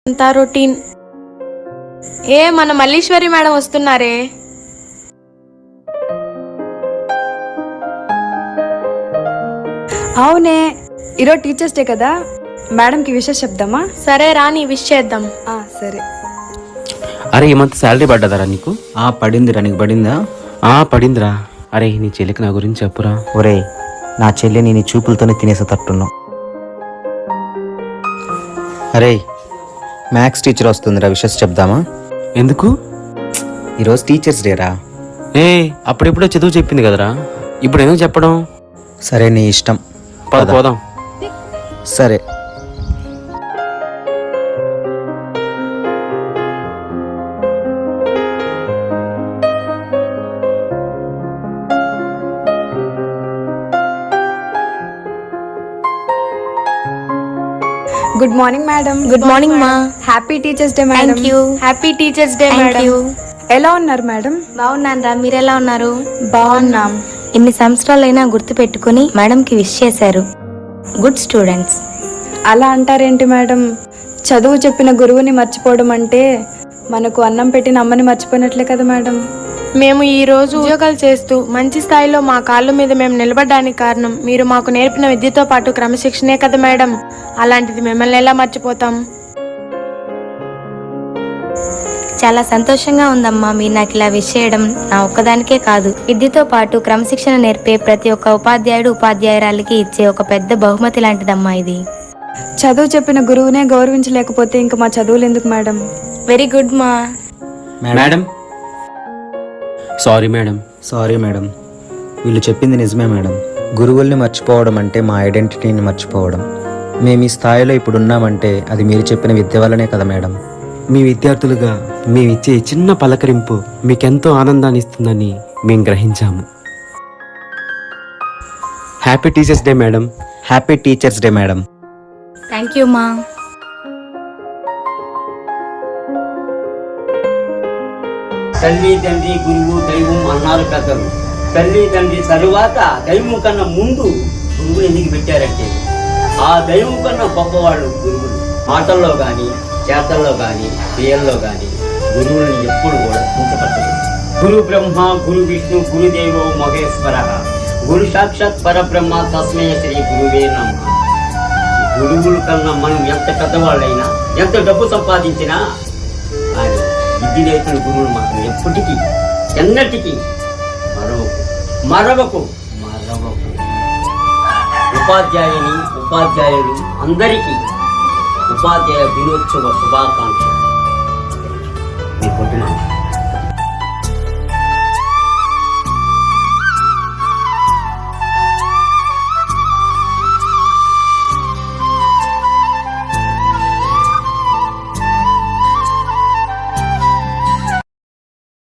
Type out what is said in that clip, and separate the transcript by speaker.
Speaker 1: అంతా రొటీన్. మన మల్లీశ్వరి మేడం వస్తున్నారే.
Speaker 2: అవునే, ఈరోజు టీచర్స్ డే కదా, మేడంకి విషెస్ చెప్దామా?
Speaker 1: సరే రాని విష్ చేద్దాం.
Speaker 2: సరే.
Speaker 3: అరే ఈ మంత్ శాలరీ పడ్డదరా నీకు?
Speaker 4: పడిందిరా, నీకు పడిందా?
Speaker 3: పడిందిరా. అరే నీ చెల్లికి నా గురించి చెప్పురా.
Speaker 4: ఒరే, నా చెల్లిని నీ చూపులతోనే తినేసే తట్టున్నావు. అరే మ్యాథ్స్ టీచర్ వస్తుందిరా, విషెస్ చెప్దామా?
Speaker 3: ఎందుకు?
Speaker 4: ఈరోజు టీచర్స్ డేరా.
Speaker 3: అప్పుడెప్పుడో చదువు చెప్పింది కదరా, ఇప్పుడు ఎందుకు చెప్పడం?
Speaker 4: సరే నీ ఇష్టం,
Speaker 3: పోదాం.
Speaker 4: సరే.
Speaker 2: Good morning madam.
Speaker 1: Good morning మా.
Speaker 2: Happy teachers day madam.
Speaker 1: Thank you. Happy teachers day madam.
Speaker 2: ఎలా ఉన్నారు మేడం?
Speaker 1: బాగున్నాను రా, మీరెలా ఉన్నారు?
Speaker 2: బాగున్నాం.
Speaker 5: ఎన్ని సంవత్సరాలైనా గుర్తు పెట్టుకుని మేడంకి విష్ చేశారు. Good students.
Speaker 2: అలా అంటారేంటి మేడం? చదువు చెప్పిన గురువుని మర్చిపోవడం అంటే మనకు అన్నం పెట్టిన అమ్మని మర్చిపోయినట్లే కదా మేడం.
Speaker 1: మేము ఈ రోజు ఉద్యోగాలు చేస్తూ మంచి స్థాయిలో మా కాళ్ళ మీద మేము నిలబడడానికి కారణం మీరు మాకు నేర్పిన విద్యతో పాటు క్రమశిక్షణే కదా మేడం. అలాంటిది మిమ్మల్ని ఎలా మర్చిపోతాం?
Speaker 5: చాలా సంతోషంగా ఉందమ్మా మీరు నాకు ఇలా విష్ చేయడం. నా ఒక్కదానికే కాదు, విద్యతో పాటు క్రమశిక్షణ నేర్పే ప్రతి ఒక్క ఉపాధ్యాయుడు ఉపాధ్యాయురాలకి ఇచ్చే ఒక పెద్ద బహుమతి లాంటిదమ్మా ఇది.
Speaker 2: చదువు చెప్పిన గురువునే గౌరవించలేకపోతే ఇంకా మా చదువులు ఎందుకు మేడం?
Speaker 5: వెరీ గుడ్ మా.
Speaker 3: Madam sorry madam.
Speaker 4: Sorry madam, వీళ్ళు చెప్పింది నిజమే మేడం. గురువుల్ని మర్చిపోవడం అంటే మా ఐడెంటిటీని మర్చిపోవడం. మేము ఈ స్థాయిలో ఇప్పుడు ఉన్నామంటే అది మీరు చెప్పిన విద్య వల్లనే కదా మేడం.
Speaker 3: మీ విద్యార్థులుగా మేమిచ్చే చిన్న పలకరింపు మీకెంతో ఆనందాన్ని ఇస్తుందని మేము గ్రహించాము. Happy teachers day madam.
Speaker 4: Happy teachers day madam.
Speaker 5: Thank you మా.
Speaker 6: తల్లి తండ్రి గురువు దైవం అన్నారు పెద్దలు. తల్లి తండ్రి తరువాత దైవం కన్నా ముందు గురువులు ఎందుకు పెట్టారంటే ఆ దైవం కన్నా గొప్పవాళ్ళు గురువులు. మాటల్లో కానీ చేతల్లో కానీ క్రియల్లో కానీ గురువులను ఎప్పుడు కూడా కించపరచలేదు. గురు బ్రహ్మ గురు విష్ణు గురుదేవో మహేశ్వర గురు సాక్షాత్ పరబ్రహ్మ తస్మై శ్రీ గురువే నమః. గురువుల కన్నా మనం ఎంత పెద్దవాళ్ళైనా ఎంత డబ్బు సంపాదించినా కానీ విద్య నేర్పిన గురువులు మాత్రం ఎప్పటికీ ఎన్నటికీ మరవకు. ఉపాధ్యాయులు అందరికీ ఉపాధ్యాయ దినోత్సవ శుభాకాంక్షలు. మీ పొద్దున